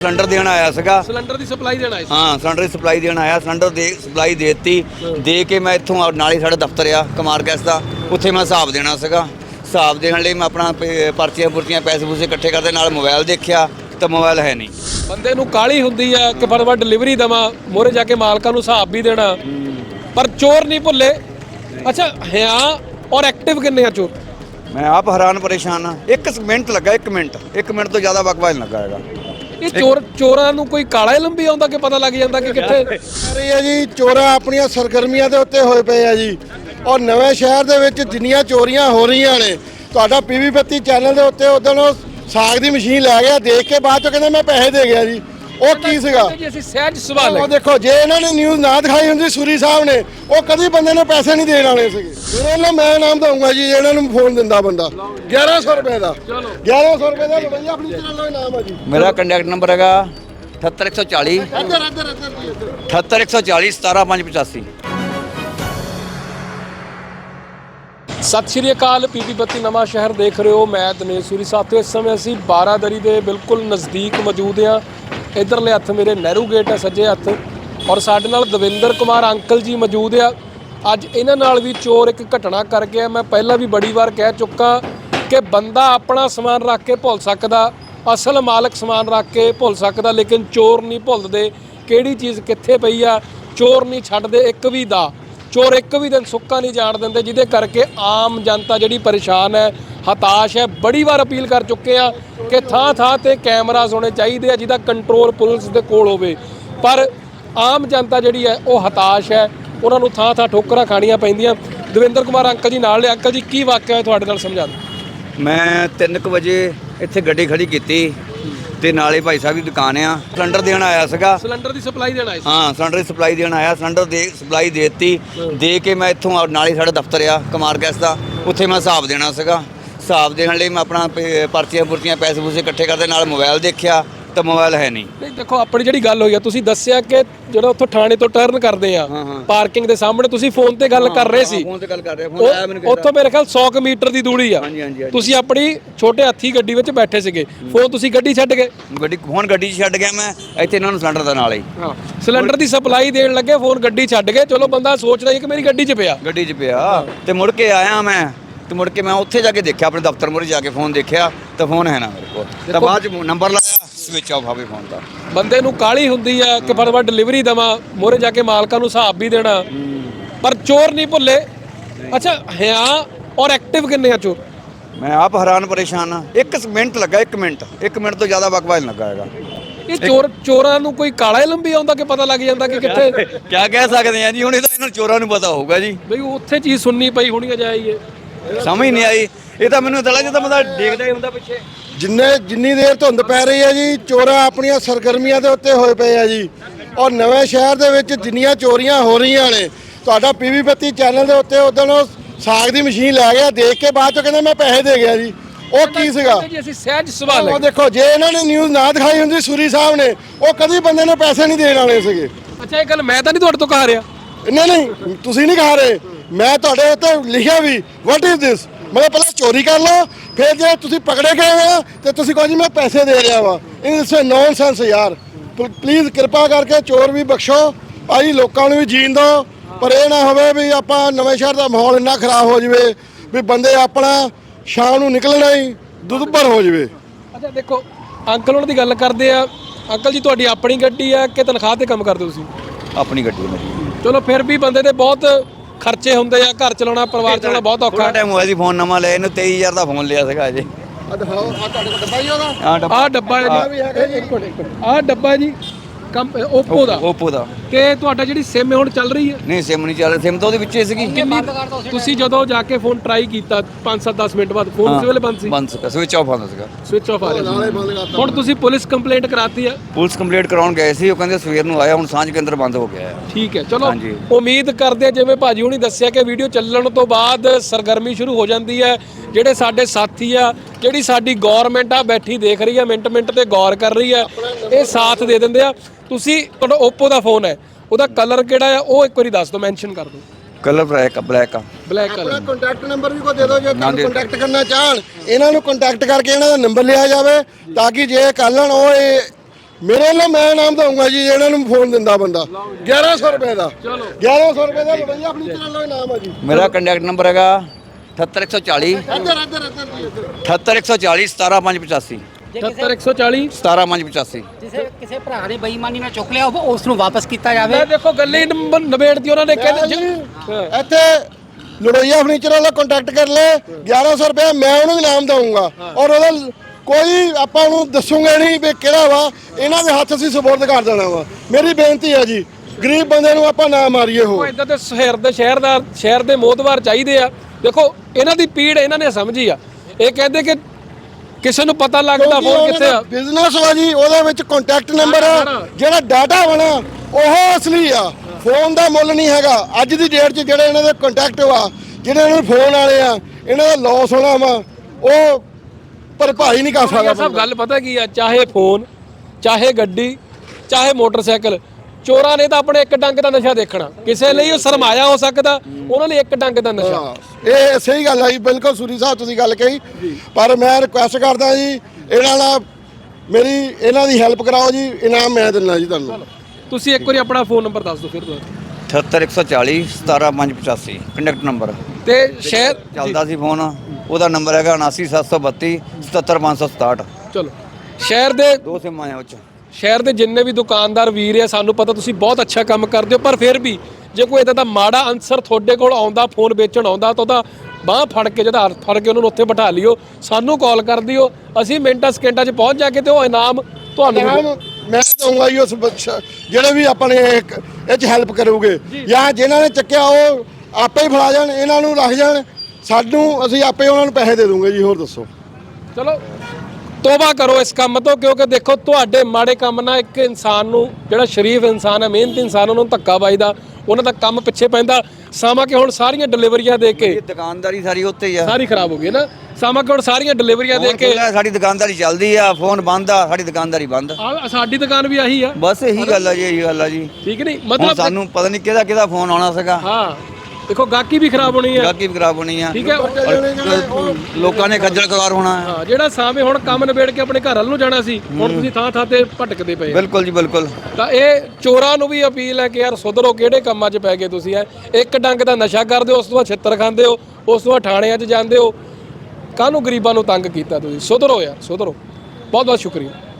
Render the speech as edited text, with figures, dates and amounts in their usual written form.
Cylinder ਦੇਣ ਆਇਆ ਸੀਗਾ। ਸਿਲੰਡਰ ਦੀ ਸਪਲਾਈ ਦੇਣ ਆਏ ਸੀ। ਹਾਂ, ਸਿਲੰਡਰ ਦੀ ਸਪਲਾਈ ਦੇਣ ਆਇਆ। ਸਿਲੰਡਰ ਦੇ ਸਪਲਾਈ ਦੇ ਦਿੱਤੀ। ਦੇ ਕੇ ਮੈਂ ਇੱਥੋਂ ਨਾਲ ਹੀ ਸਾਡਾ ਦਫ਼ਤਰ ਆ ਕੁਮਾਰ ਗੈਸ ਦਾ, ਉੱਥੇ ਮੈਂ ਹਿਸਾਬ ਦੇਣਾ ਸੀਗਾ। ਹਿਸਾਬ ਦੇਣ ਲਈ ਮੈਂ ਆਪਣਾ ਪਰਚੀਆਂ ਪੁਰਚੀਆਂ ਪੈਸੇ ਪੂਸੇ ਇਕੱਠੇ ਕਰਦੇ, ਨਾਲ ਮੋਬਾਈਲ ਦੇਖਿਆ ਤਾਂ ਮੋਬਾਈਲ ਹੈ ਨਹੀਂ। ਬੰਦੇ ਨੂੰ ਕਾਹਲੀ ਹੁੰਦੀ ਆ ਕਿ ਫਟਾਫਟ ਡਿਲੀਵਰੀ ਦੇਵਾਂ, ਮੋਰੇ ਜਾ ਕੇ ਮਾਲਕਾਂ ਨੂੰ ਹਿਸਾਬ ਵੀ ਦੇਣਾ, ਪਰ ਚੋਰ ਨਹੀਂ ਭੁੱਲੇ। ਅੱਛਾ, ਹਾਂ ਔਰ ਐਕਟਿਵ ਕਿੰਨੇ ਆ ਚੋਰ? ਮੈਂ ਆਪ ਹੈਰਾਨ ਪਰੇਸ਼ਾਨ ਆ। 1 ਮਿੰਟ ਲੱਗਾ, 1 ਮਿੰਟ ਤੋਂ ਜ਼ਿਆਦਾ ਵਕਤ ਨਹੀਂ ਲੱਗਾ ਹੈਗਾ। ਇਹ ਚੋਰਾਂ ਨੂੰ ਕੋਈ ਕਾਲਾ ਲੰਬੀ ਆਉਂਦਾ ਕਿ ਪਤਾ ਲੱਗ ਜਾਂਦਾ ਕਿ ਕਿੱਥੇ ਰਹੀ ਹੈ ਜੀ। ਚੋਰਾਂ ਆਪਣੀਆਂ ਸਰਗਰਮੀਆਂ ਦੇ ਉੱਤੇ ਹੋਏ ਪਏ ਆ ਜੀ। ਔਰ ਨਵੇਂ ਸ਼ਹਿਰ ਦੇ ਵਿੱਚ ਜਿੰਨੀਆਂ ਚੋਰੀਆਂ ਹੋ ਰਹੀਆਂ ਨੇ, ਤੁਹਾਡਾ ਪੀਵੀ 32 ਚੈਨਲ ਦੇ ਉੱਤੇ ਉਦੋਂ ਸਾਗ ਦੀ ਮਸ਼ੀਨ ਲੈ ਗਿਆ, ਦੇਖ ਕੇ ਬਾਅਦ ਚੋਂ ਕਹਿੰਦੇ ਮੈਂ ਪੈਸੇ ਦੇ ਗਿਆ ਜੀ। ਉਹ ਕੀ ਸੀਗਾ ਜੀ? ਅਸੀਂ ਸਹਿਜ ਸਵਾਲ ਹੈ। ਉਹ ਦੇਖੋ, ਜੇ ਇਹਨਾਂ ਨੇ ਨਿਊਜ਼ ਨਾ ਦਿਖਾਈ ਹੁੰਦੀ ਸੂਰੀ ਸਾਹਿਬ ਨੇ, ਉਹ ਕਦੀ ਬੰਦੇ ਨੂੰ ਪੈਸੇ ਨਹੀਂ ਦੇਣ ਵਾਲੇ ਸੀਗੇ। ਇਹਨਾਂ ਨੂੰ ਮੈਂ ਨਾਮ ਦਊਂਗਾ ਜੀ, ਇਹਨਾਂ ਨੂੰ ਫੋਨ ਦਿੰਦਾ ਬੰਦਾ 1100 ਰੁਪਏ ਦਾ। 1100 ਰੁਪਏ ਦਾ ਰੁਪਈਆ ਆਪਣੀ ਚੈਨਲ ਦਾ ਨਾਮ ਆ ਜੀ। ਮੇਰਾ ਕੰਟੈਕਟ ਨੰਬਰ ਹੈਗਾ 78140 78140 17585। ਸਤਿ ਸ਼੍ਰੀ ਅਕਾਲ। ਪੀਪੀ 32 ਨਵਾਂ ਸ਼ਹਿਰ ਦੇਖ ਰਹੇ ਹੋ, ਮੈਂ ਦਿਨੇਸ਼ ਸੂਰੀ। ਸਾਥੀਓ, ਇਸ ਸਮੇਂ ਅਸੀਂ ਬਾਰਾਦਰੀ ਦੇ ਬਿਲਕੁਲ ਨਜ਼ਦੀਕ ਮੌਜੂਦ ਹਾਂ। ਇਧਰਲੇ ਹੱਥ ਮੇਰੇ ਨਹਿਰੂ ਗੇਟ ਹੈ, ਸੱਜੇ ਹੱਥ, ਔਰ ਸਾਡੇ ਨਾਲ ਦਵਿੰਦਰ ਕੁਮਾਰ ਅੰਕਲ ਜੀ ਮੌਜੂਦ ਆ। ਅੱਜ ਇਹਨਾਂ ਨਾਲ ਵੀ ਚੋਰ ਇੱਕ ਘਟਨਾ ਕਰ ਗਿਆ। ਮੈਂ ਪਹਿਲਾਂ ਵੀ ਬੜੀ ਵਾਰ ਕਹਿ ਚੁੱਕਾ ਕਿ ਬੰਦਾ ਆਪਣਾ ਸਮਾਨ ਰੱਖ ਕੇ ਭੁੱਲ ਸਕਦਾ, ਅਸਲ ਮਾਲਕ ਸਮਾਨ ਰੱਖ ਕੇ ਭੁੱਲ ਸਕਦਾ, ਲੇਕਿਨ ਚੋਰ ਨਹੀਂ ਭੁੱਲਦੇ ਕਿਹੜੀ ਚੀਜ਼ ਕਿੱਥੇ ਪਈ ਆ। ਚੋਰ ਨਹੀਂ ਛੱਡਦੇ ਇੱਕ ਵੀ ਦਾ। ਚੋਰ ਇੱਕ ਵੀ ਦਿਨ ਸੁੱਕਾ ਨਹੀਂ ਜਾਣ ਦਿੰਦੇ, ਜਿਹਦੇ ਕਰਕੇ ਆਮ ਜਨਤਾ ਜਿਹੜੀ ਪਰੇਸ਼ਾਨ ਹੈ, ਹਤਾਸ਼ ਹੈ। ਬੜੀ ਵਾਰ ਅਪੀਲ ਕਰ ਚੁੱਕੇ ਆ ਕਿ ਥਾਂ ਥਾਂ ਤੇ ਕੈਮਰਾਜ਼ ਹੋਣੇ ਚਾਹੀਦੇ ਆ, ਜਿਹਦਾ ਕੰਟਰੋਲ ਪੁਲਿਸ ਦੇ ਕੋਲ ਹੋਵੇ, ਪਰ ਆਮ ਜਨਤਾ ਜਿਹੜੀ ਹੈ ਉਹ ਹਤਾਸ਼ ਹੈ। ਉਹਨਾਂ ਨੂੰ ਥਾਂ ਥਾਂ ਠੋਕਰਾਂ ਖਾਣੀਆਂ ਪੈਂਦੀਆਂ। ਦਵਿੰਦਰ ਕੁਮਾਰ ਅੰਕਲ ਜੀ ਨਾਲ ਨੇ। ਅੰਕਲ ਜੀ, ਕੀ ਵਾਕਿਆ ਹੈ ਤੁਹਾਡੇ ਨਾਲ, ਸਮਝਾ ਦਿਓ। ਮੈਂ 3 ਵਜੇ ਇੱਥੇ ਗੱਡੀ ਖੜੀ ਕੀਤੀ ਤੇ ਨਾਲੇ ਭਾਈ ਸਾਹਿਬ ਦੀ ਦੁਕਾਨ ਆ। ਸਿਲੰਡਰ ਦੇਣ ਆਇਆ ਸੀਗਾ। ਸਿਲੰਡਰ ਦੀ ਸਪਲਾਈ ਦੇਣ ਆਏ ਸੀ। ਹਾਂ, ਸਿਲੰਡਰ ਦੀ ਸਪਲਾਈ ਦੇਣ ਆਇਆ। ਸਿਲੰਡਰ ਦੇ ਸਪਲਾਈ ਦੇ ਦਿੱਤੀ। ਦੇ ਕੇ ਮੈਂ ਇੱਥੋਂ ਨਾਲ ਹੀ ਸਾਡਾ ਦਫ਼ਤਰ ਆ ਕੁਮਾਰ ਗੈਸ ਦਾ, ਉੱਥੇ ਮੈਂ ਹਿਸਾਬ ਦੇਣਾ ਸੀਗਾ। ਹਿਸਾਬ ਦੇਣ ਲਈ ਮੈਂ ਆਪਣਾ ਪਰਚੀਆਂ ਪੁਰਚੀਆਂ ਪੈਸੇ ਪੂਸੇ ਇਕੱਠੇ ਕਰਦੇ, ਨਾਲ ਮੋਬਾਈਲ ਦੇਖਿਆ ਤਾਂ ਮੋਬਾਈਲ ਹੈ ਨਹੀਂ। ਨਹੀਂ, ਦੇਖੋ ਆਪਣੀ ਜਿਹੜੀ ਗੱਲ ਹੋਈ ਆ, ਤੁਸੀਂ ਦੱਸਿਆ ਕਿ ਜਿਹੜਾ ਉੱਥੋਂ ਥਾਣੇ ਤੋਂ ਟਰਨ ਕਰਦੇ ਆ ਪਾਰਕਿੰਗ ਦੇ ਸਾਹਮਣੇ, ਤੁਸੀਂ ਫੋਨ ਤੇ ਗੱਲ ਕਰ ਰਹੇ ਸੀ। ਫੋਨ ਤੇ ਗੱਲ ਕਰ ਰਹੇ, ਫੋਨ ਆਇਆ ਮੈਨੂੰ। ਉੱਥੋਂ ਮੇਰੇ ਖਿਆਲ 100 ਮੀਟਰ ਦੀ ਦੂਰੀ ਆ। ਤੁਸੀਂ ਆਪਣੀ ਛੋਟੇ ਹੱਥੀ ਗੱਡੀ ਵਿੱਚ ਬੈਠੇ ਸੀਗੇ, ਫੋਨ ਤੁਸੀਂ ਗੱਡੀ ਛੱਡ ਗਏ। ਫੋਨ ਗੱਡੀ 'ਚ ਛੱਡ ਗਿਆ ਮੈਂ ਇੱਥੇ, ਇਹਨਾਂ ਨੂੰ ਸਿਲੰਡਰ ਦਾ ਨਾਲ ਹੀ। ਸਿਲੰਡਰ ਦੀ ਸਪਲਾਈ ਦੇਣ ਲੱਗੇ, ਫੋਨ ਗੱਡੀ ਛੱਡ ਗਏ। ਚਲੋ ਬੰਦਾ ਸੋਚਦਾ ਕਿ ਮੇਰੀ ਗੱਡੀ 'ਚ ਪਿਆ। ਤੇ ਮੁੜ ਕੇ ਆਇਆ ਮੈਂ, ਤੇ ਮੁੜ ਕੇ ਮੈਂ ਉੱਥੇ ਜਾ ਕੇ ਦੇਖਿਆ, ਆਪਣੇ ਦਫ਼ਤਰ ਮੂਹਰੇ ਜਾ ਕੇ ਫੋਨ ਦੇਖਿਆ ਤਾਂ ਫੋਨ ਹੈ ਨਾ ਮੇਰੇ ਕੋਲ। ਤਾਂ ਬਾਅਦ 'ਚ ਨੰਬਰ ਲਾਇਆ, ਸਵਿਚ ਆਫ ਆਵੇ ਫੋਨ ਦਾ। ਬੰਦੇ ਨੂੰ ਕਾਹਲੀ ਹੁੰਦੀ ਆ ਕਿ ਫਟਾਫਟ ਡਿਲੀਵਰੀ ਦੇਵਾਂ, ਮੋਰੇ ਜਾ ਕੇ ਮਾਲਕਾਂ ਨੂੰ ਹਿਸਾਬ ਵੀ ਦੇਣਾ, ਪਰ ਚੋਰ ਨਹੀਂ ਭੁੱਲੇ। ਅੱਛਾ, ਹਾਂ ਔਰ ਐਕਟਿਵ ਕਿੰਨੇ ਆ ਚੋਰ? ਮੈਂ ਆਪ ਹੈਰਾਨ ਪਰੇਸ਼ਾਨ ਆ। 1 ਮਿੰਟ ਲੱਗਾ, 1 ਮਿੰਟ ਤੋਂ ਜ਼ਿਆਦਾ ਵਕਤ ਨਹੀਂ ਲੱਗਾ ਹੈਗਾ। ਇਹ ਚੋਰਾਂ ਨੂੰ ਕੋਈ ਕਾਲਾ ਲੰਬੀ ਆਉਂਦਾ ਕਿ ਪਤਾ ਲੱਗ ਜਾਂਦਾ ਕਿ ਕਿੱਥੇ ਕਿਆ ਕਹਿ ਸਕਦੇ ਆ ਜੀ। ਹੁਣ ਇਹ ਤਾਂ ਇਹਨਾਂ ਚੋਰਾਂ ਨੂੰ ਪਤਾ ਹੋਊਗਾ ਜੀ। ਬਈ ਉੱਥੇ ਚੀਜ਼ ਸੁਣਨੀ ਪਈ ਹੋਣੀ ਜਾਈਏ, ਸਮਝ ਨਹੀਂ ਆਈ। ਇਹ ਤਾਂ ਮੈਨੂੰ ਤਾਂ ਲੱਗਦਾ ਬੰਦਾ ਦੇਖਦਾ ਹੀ ਹੁੰਦਾ ਪਿੱਛੇ। ਜਿੰਨੀ ਦੇਰ ਧੁੰਦ ਪੈ ਰਹੀ ਹੈ ਜੀ, ਚੋਰਾਂ ਆਪਣੀਆਂ ਸਰਗਰਮੀਆਂ ਦੇ ਉੱਤੇ ਹੋਏ ਪਏ ਆ ਜੀ। ਔਰ ਨਵੇਂ ਸ਼ਹਿਰ ਦੇ ਵਿੱਚ ਜਿੰਨੀਆਂ ਚੋਰੀਆਂ ਹੋ ਰਹੀਆਂ ਨੇ, ਤੁਹਾਡਾ ਪੀਵੀ 32 ਚੈਨਲ ਦੇ ਉੱਤੇ ਉਦੋਂ ਸਾਗ ਦੀ ਮਸ਼ੀਨ ਲੈ ਗਿਆ, ਦੇਖ ਕੇ ਬਾਅਦ ਚੋਂ ਕਹਿੰਦੇ ਮੈਂ ਪੈਸੇ ਦੇ ਗਿਆ ਜੀ। ਉਹ ਕੀ ਸੀਗਾ ਜੀ? ਅਸੀਂ ਸਹਿਜ ਸਵਾਲ ਹੈ। ਉਹ ਦੇਖੋ, ਜੇ ਇਹਨਾਂ ਨੇ ਨਿਊਜ਼ ਨਾ ਦਿਖਾਈ ਹੁੰਦੀ ਸੂਰੀ ਸਾਹਿਬ ਨੇ, ਉਹ ਕਦੀ ਬੰਦੇ ਨੂੰ ਪੈਸੇ ਨਹੀਂ ਦੇਣ ਵਾਲੇ ਸੀਗੇ। ਅੱਛਾ, ਇਹ ਗੱਲ ਮੈਂ ਤਾਂ ਨਹੀਂ ਤੁਹਾਡੇ ਤੋਂ ਕਹਾ ਰਿਹਾ। ਨਹੀਂ, ਤੁਸੀਂ ਨਹੀਂ ਕਹਾ ਰਹੇ। ਮੈਂ ਤੁਹਾਡੇ ਉੱਤੇ ਲਿਖਿਆ ਵੀ ਵਾਟ ਇਜ਼ ਦਿਸ, ਮਤਲਬ ਪਹਿਲਾਂ ਚੋਰੀ ਕਰ ਲਓ, ਫਿਰ ਜੇ ਤੁਸੀਂ ਪਕੜੇ ਗਏ ਹੋ ਤੇ ਤੁਸੀਂ ਕਹੋ ਜੀ ਮੈਂ ਪੈਸੇ ਦੇ ਰਿਹਾ ਵਾ। ਇਟਸ ਅ ਨੌਨਸੈਂਸ ਯਾਰ। ਪਲੀਜ਼ ਕਿਰਪਾ ਕਰਕੇ ਚੋਰ ਵੀ ਬਖਸ਼ੋ ਭਾਈ, ਲੋਕਾਂ ਨੂੰ ਵੀ ਜੀਣ ਦਿਓ, ਪਰ ਇਹ ਨਾ ਹੋਵੇ ਵੀ ਆਪਾਂ ਨਵੇਂ ਸ਼ਹਿਰ ਦਾ ਮਾਹੌਲ ਇੰਨਾ ਖਰਾਬ ਹੋ ਜਾਵੇ ਵੀ ਬੰਦੇ ਆਪਣਾ ਸ਼ਾਮ ਨੂੰ ਨਿਕਲਣਾ ਹੀ ਦੁੱਧਭਰ ਹੋ ਜਾਵੇ। ਅੱਛਾ, ਦੇਖੋ ਅੰਕਲ ਉਹਨਾਂ ਦੀ ਗੱਲ ਕਰਦੇ ਆ। ਅੰਕਲ ਜੀ, ਤੁਹਾਡੀ ਆਪਣੀ ਗੱਡੀ ਆ ਕਿ ਤਨਖਾਹ ਤੇ ਕੰਮ ਕਰਦੇ ਤੁਸੀਂ? ਆਪਣੀ ਗੱਡੀ ਮੇਰੀ। ਚਲੋ ਫਿਰ ਵੀ ਬੰਦੇ ਦੇ ਬਹੁਤ ਖਰਚੇ ਹੁੰਦੇ ਆ, ਘਰ ਚਲਾਉਣਾ, ਪਰਿਵਾਰ ਚਲਾਉਣਾ ਬਹੁਤ ਔਖਾ। ਟਾਈਮ ਹੋਇਆ ਸੀ ਫੋਨ ਨਵਾਂ ਲਿਆ, ਇਹਨੂੰ 23,000 ਦਾ ਫੋਨ ਲਿਆ ਸੀਗਾ ਅਜੇ। ਆ ਦਿਖਾਓ, ਆ ਤੁਹਾਡੇ ਕੋਲ ਡੱਬਾ ਹੀ ਉਹਦਾ। ਆਹ ਡੱਬਾ ਆਹ ਡੱਬਾ ਜੀ ਓਪੋ ਦਾ। ਤੇ ਤੁਹਾਡਾ ਜਿਹੜੀ ਸਿਮ ਹੁਣ ਚੱਲ ਰਹੀ ਹੈ? ਨਹੀਂ, ਸਿਮ ਨਹੀਂ ਚੱਲ ਰਹੀ। ਸਿਮ ਤਾਂ ਉਹਦੇ ਵਿੱਚ ਹੀ ਸੀਗੀ। ਤੁਸੀਂ ਜਦੋਂ ਜਾ ਕੇ ਫੋਨ ਟਰਾਈ ਕੀਤਾ 5-7-10 ਮਿੰਟ ਬਾਅਦ, ਫੋਨ ਕਿਸ ਵੇਲੇ ਬੰਦ ਸੀ? ਬੰਦ ਸੀਗਾ, ਸਵਿਚ ਆਫ ਆਉਂਦਾ ਸੀਗਾ। ਸਵਿਚ ਆਫ ਆ ਰਿਹਾ। ਹੁਣ ਤੁਸੀਂ ਪੁਲਿਸ ਕੰਪਲੇਂਟ ਕਰਾਤੀ ਹੈ? ਪੁਲਿਸ ਕੰਪਲੇਂਟ ਕਰਾਉਣ ਗਏ ਸੀ, ਉਹ ਕਹਿੰਦੇ ਸਵੇਰ ਨੂੰ ਆਇਆ, ਹੁਣ ਸਾਂਝ ਕੇ ਅੰਦਰ ਬੰਦ ਹੋ ਗਿਆ ਹੈ। ਠੀਕ ਹੈ, ਚਲੋ ਉਮੀਦ ਕਰਦੇ ਆ, ਜਿਵੇਂ ਭਾਜੀ ਹੁਣੀ ਦੱਸਿਆ ਕਿ ਵੀਡੀਓ ਚੱਲਣ ਤੋਂ ਬਾਅਦ ਸਰਗਰਮੀ ਸ਼ੁਰੂ ਹੋ ਜਾਂਦੀ ਹੈ। ਜਿਹੜੇ ਸਾਡੇ ਸਾਥੀ ਆ, ਜਿਹੜੀ ਸਾਡੀ ਗੌਰਮੈਂਟ ਆ ਬੈਠੀ ਦੇਖ ਰਹੀ ਹੈ, ਮਿੰਟ ਤੇ ਗੌਰ ਕਰ ਰਹੀ ਹੈ, ਇਹ ਸਾਥ ਦੇ ਦਿੰਦੇ ਆ। ਤੁਸੀਂ ਤੁਹਾਡਾ ਓਪੋ ਦਾ ਫੋਨ ਹੈ, ਉਹਦਾ ਕਲਰ ਕਿਹੜਾ ਆ ਉਹ ਇੱਕ ਵਾਰੀ ਦੱਸ ਦਿਓ, ਮੈਂਸ਼ਨ ਕਰ ਦਿਓ। Colour black black colour. ਆਪਣਾ ਕੰਟੈਕਟ ਨੰਬਰ ਵੀ ਕੋ ਦੇ ਦਿਓ, ਜੇ ਤੁਹਾਨੂੰ ਕੰਟੈਕਟ ਕਰਨਾ ਚਾਹਣ ਇਹਨਾਂ ਨੂੰ ਕੰਟੈਕਟ ਕਰਕੇ ਇਹਨਾਂ ਦਾ ਨੰਬਰ ਲਿਆ ਜਾਵੇ, ਤਾਂ ਕਿ ਜੇ ਕੱਲ੍ਹ ਨੂੰ ਉਹ ਮੇਰੇ ਵੱਲੋਂ ਮੈਂ ਇਨਾਮ ਦਊਂਗਾ ਜੀ ਇਹਨਾਂ ਨੂੰ ਫੋਨ ਦਿੰਦਾ ਬੰਦਾ 1100 ਰੁਪਏ ਦਾ। ਚਲੋ 1100 ਰੁਪਏ ਦਾ ਲੜਾਈ ਆਪਣੀ ਤਰ੍ਹਾਂ ਲਓ ਇਨਾਮ ਆ ਜੀ। ਮੇਰਾ ਕੰਟੈਕਟ ਨੰਬਰ ਹੈਗਾ 78140 ਇੱਧਰ ਇੱਧਰ ਇੱਧਰ ਜੀ ਇੱਧਰ। 78140 17585 78140 17585। ਕਿਸੇ ਭਰਾ ਨੇ ਬੇਈਮਾਨੀ ਨਾਲ ਚੁੱਕ ਲਿਆ ਉਸ ਨੂੰ ਵਾਪਸ ਕੀਤਾ ਜਾਵੇ। ਮੈਂ ਦੇਖੋ ਗੱਲੇ ਨਵੇੜਤੀ ਉਹਨਾਂ ਨੇ ਕਹਿੰਦੇ ਇੱਥੇ ਲੜੋਈਆ ਫਰਨੀਚਰ ਵਾਲਾ ਕੰਟੈਕਟ ਕਰ ਲੈ 1100 ਰੁਪਏ ਮੈਂ ਉਹਨੂੰ ਇਨਾਮ ਦਊਂਗਾ ਔਰ ਉਹਦਾ ਕੋਈ ਆਪਾਂ ਨੂੰ ਦੱਸੂਗੇ ਨਹੀਂ ਵੀ ਕਿਹੜਾ ਵਾ ਇਹਨਾਂ ਦੇ ਹੱਥ ਅਸੀਂ ਸਪੋਰਟ ਕਰ ਦੇਣਾ ਵਾ। ਮੇਰੀ ਬੇਨਤੀ ਹੈ ਜੀ ਗਰੀਬ ਬੰਦੇ ਨੂੰ ਆਪਾਂ ਨਾ ਮਾਰੀਏ ਹੋ। ਇਦਾਂ ਤੇ ਸ਼ਹਿਰ ਦੇ ਮੋਹਤਵਾਰ ਚਾਹੀਦੇ ਆ। ਦੇਖੋ ਇਹਨਾਂ ਦੀ ਪੀੜ ਇਹਨਾਂ ਨੇ ਸਮਝੀ ਆ। ਇਹ ਕਹਿੰਦੇ ਕਿ ਕਿਸੇ ਨੂੰ ਪਤਾ ਲੱਗਦਾ ਫੋਨ ਕਿੱਥੇ ਆ। ਬਿਜ਼ਨਸ ਵਾ ਜੀ ਉਹਦੇ ਵਿੱਚ ਕੰਟੈਕਟ ਨੰਬਰ ਜਿਹੜਾ ਡਾਟਾ ਵਾ ਨਾ ਉਹ ਅਸਲੀ ਆ। ਫੋਨ ਦਾ ਮੁੱਲ ਨਹੀਂ ਹੈਗਾ। ਅੱਜ ਦੀ ਡੇਟ 'ਚ ਜਿਹੜੇ ਇਹਨਾਂ ਦੇ ਕੰਟੈਕਟ ਵਾ ਜਿਹੜੇ ਇਹਨਾਂ ਨੂੰ ਫੋਨ ਵਾਲੇ ਆ ਇਹਨਾਂ ਦਾ ਲਾਸ ਹੋਣਾ ਵਾ ਉਹ ਭਰਪਾਈ ਨਹੀਂ ਕਰ ਸਕਦਾ। ਸਭ ਗੱਲ ਪਤਾ ਕੀ ਆ, ਚਾਹੇ ਫੋਨ ਚਾਹੇ ਗੱਡੀ ਚਾਹੇ ਮੋਟਰਸਾਈਕਲ, ਚੋਰਾਂ ਨੇ ਤਾਂ ਆਪਣੇ ਇੱਕ ਡੰਗ ਦਾ ਨਸ਼ਾ ਦੇਖਣਾ। ਕਿਸੇ ਲਈ ਉਹ ਸਰਮਾਇਆ ਹੋ ਸਕਦਾ, ਉਹਨਾਂ ਲਈ ਇੱਕ ਡੰਗ ਦਾ ਨਸ਼ਾ। ਇਹ ਸਹੀ ਗੱਲ ਆ ਜੀ, ਬਿਲਕੁਲ ਸੂਰੀ ਸਾਹਿਬ ਤੁਸੀਂ ਗੱਲ ਕਹੀ। ਪਰ ਮੈਂ ਰਿਕੁਐਸਟ ਕਰਦਾ ਜੀ ਇਹਨਾਂ ਨਾਲ ਇਹਨਾਂ ਦੀ ਹੈਲਪ ਕਰਾਓ ਜੀ, ਇਨਾਮ ਮੈਂ ਦਿੰਦਾ ਜੀ ਤੁਹਾਨੂੰ। ਤੁਸੀਂ ਇੱਕ ਵਾਰੀ ਆਪਣਾ ਫੋਨ ਨੰਬਰ ਦੱਸ ਦਿਓ ਫਿਰ ਤੋਂ। 78140 17585 ਕੰਟੈਕਟ ਨੰਬਰ ਤੇ ਸ਼ਹਿਰ ਚੱਲਦਾ ਸੀ ਫੋਨ, ਉਹਦਾ ਨੰਬਰ ਹੈਗਾ 79732 77567। ਚਲੋ ਸ਼ਹਿਰ ਦੇ ਦੋ ਸਿਮਾਂ ਆ ਉਹ 'ਚ। ਸ਼ਹਿਰ ਦੇ ਜਿੰਨੇ ਵੀ ਦੁਕਾਨਦਾਰ ਵੀਰ ਆ, ਸਾਨੂੰ ਪਤਾ ਤੁਸੀਂ ਬਹੁਤ ਅੱਛਾ ਕੰਮ ਕਰਦੇ ਹੋ, ਪਰ ਫਿਰ ਵੀ ਜੇ ਕੋਈ ਇਦਾਂ ਦਾ ਮਾੜਾ ਅਨਸਰ ਤੁਹਾਡੇ ਕੋਲ ਆਉਂਦਾ, ਫੋਨ ਵੇਚਣ ਆਉਂਦਾ, ਤਾਂ ਉਹਦਾ ਬਾਹ ਫੜ ਕੇ ਜਿਹਦਾ ਹੱਥ ਫੜ ਕੇ ਉਹਨੂੰ ਉੱਥੇ ਬਿਠਾ ਲਿਓ, ਸਾਨੂੰ ਕਾਲ ਕਰ ਦਿਓ, ਅਸੀਂ ਮਿੰਟਾਂ ਸਕਿੰਟਾਂ 'ਚ ਪਹੁੰਚ ਜਾ ਕੇ ਤੇ ਉਹ ਇਨਾਮ ਤੁਹਾਨੂੰ ਮੈਂ ਦਊਂਗਾ ਜੀ ਉਸ ਜਿਹੜੇ ਵੀ ਆਪਣੇ ਇਹ 'ਚ ਹੈਲਪ ਕਰੂਗੇ ਜਾਂ ਜਿਨ੍ਹਾਂ ਨੇ ਚੱਕਿਆ ਉਹ ਆਪੇ ਹੀ ਫੜਾ ਜਾਣ, ਇਹਨਾਂ ਨੂੰ ਰੱਖ ਜਾਣ, ਸਾਨੂੰ ਅਸੀਂ ਆਪੇ ਉਹਨਾਂ ਨੂੰ ਪੈਸੇ ਦੇ ਦੂੰਗੇ ਜੀ। ਹੋਰ ਦੱਸੋ। ਚਲੋ ਤੋਬਾ ਕਰੋ ਇਸ ਕੰਮ ਤੋਂ, ਕਿਉਂਕਿ ਦੇਖੋ ਤੁਹਾਡੇ ਮਾੜੇ ਕੰਮ ਨਾਲ ਇੱਕ ਇਨਸਾਨ ਨੂੰ, ਜਿਹੜਾ ਸ਼ਰੀਫ ਇਨਸਾਨ ਹੈ, ਮਿਹਨਤੀ ਇਨਸਾਨ, ਉਹਨੂੰ ਧੱਕਾ ਵੱਜਦਾ, ਉਹਨਾਂ ਦਾ ਕੰਮ ਪਿੱਛੇ ਪੈਂਦਾ। ਸਾਮਾ ਕਿ ਹੁਣ ਸਾਰੀਆਂ ਡਿਲੀਵਰੀਆਂ ਦੇ ਕੇ ਦੁਕਾਨਦਾਰੀ ਸਾਰੀ ਉੱਤੇ ਹੀ ਆ, ਸਾਰੀ ਖਰਾਬ ਹੋ ਗਈ ਨਾ। ਸਾਮਾ ਕਿ ਹੁਣ ਸਾਰੀਆਂ ਡਿਲੀਵਰੀਆਂ ਦੇ ਕੇ ਸਾਡੀ ਦੁਕਾਨਦਾਰੀ ਚੱਲਦੀ ਆ, ਫੋਨ ਬੰਦ ਆ, ਸਾਡੀ ਦੁਕਾਨਦਾਰੀ ਬੰਦ। ਸਾਡੀ ਦੁਕਾਨ ਵੀ ਆਹੀ ਆ। ਬਸ ਇਹੀ ਗੱਲ ਆ ਜੀ, ਇਹੀ ਗੱਲ ਆ ਜੀ। ਠੀਕ ਨਹੀਂ ਹੁਣ ਮਤਲਬ ਸਾਨੂੰ ਪਤਾ ਨਹੀਂ ਕਿਹਦਾ ਫੋਨ ਆਉਣਾ ਸੀਗਾ। ਹਾਂ ਦੇਖੋ ਗਾਹਕੀ ਵੀ ਖਰਾਬ ਹੋਣੀ ਆ, ਗਾਹਕੀ ਵੀ ਖਰਾਬ ਹੋਣੀ ਆ। ਠੀਕ ਹੈ। ਲੋਕਾਂ ਨੇ ਖੱਜਲ ਖਵਾਰ ਹੋਣਾ ਹੈ। ਹਾਂ ਜਿਹੜਾ ਸਾਵੇਂ ਹੁਣ ਕੰਮ ਨਿਬੇੜ ਕੇ ਆਪਣੇ ਘਰ ਵੱਲ ਨੂੰ ਜਾਣਾ ਸੀ, ਹੁਣ ਤੁਸੀਂ ਥਾਂ ਤੇ ਭਟਕਦੇ ਪਏ। ਬਿਲਕੁਲ ਜੀ ਬਿਲਕੁਲ। ਤਾਂ ਇਹ ਚੋਰਾਂ ਨੂੰ ਵੀ ਅਪੀਲ ਹੈ ਕਿ ਯਾਰ ਸੁਧਰੋ, ਕਿਹੜੇ ਕੰਮਾਂ 'ਚ ਪੈ ਗਏ ਤੁਸੀਂ। ਇੱਕ ਡੰਗ ਦਾ ਨਸ਼ਾ ਕਰਦੇ ਹੋ, ਉਸ ਤੋਂ ਬਾਅਦ ਛਿੱਤਰ ਖਾਂਦੇ ਹੋ, ਉਸ ਤੋਂ ਬਾਅਦ ਥਾਣਿਆਂ 'ਚ ਜਾਂਦੇ ਹੋ। ਕਾਹਨੂੰ ਗਰੀਬਾਂ ਨੂੰ ਤੰਗ ਕੀਤਾ ਤੁਸੀਂ। ਸੁਧਰੋ ਯਾਰ, ਸੁਧਰੋ। ਬਹੁਤ ਬਹੁਤ ਸ਼ੁਕਰੀਆ।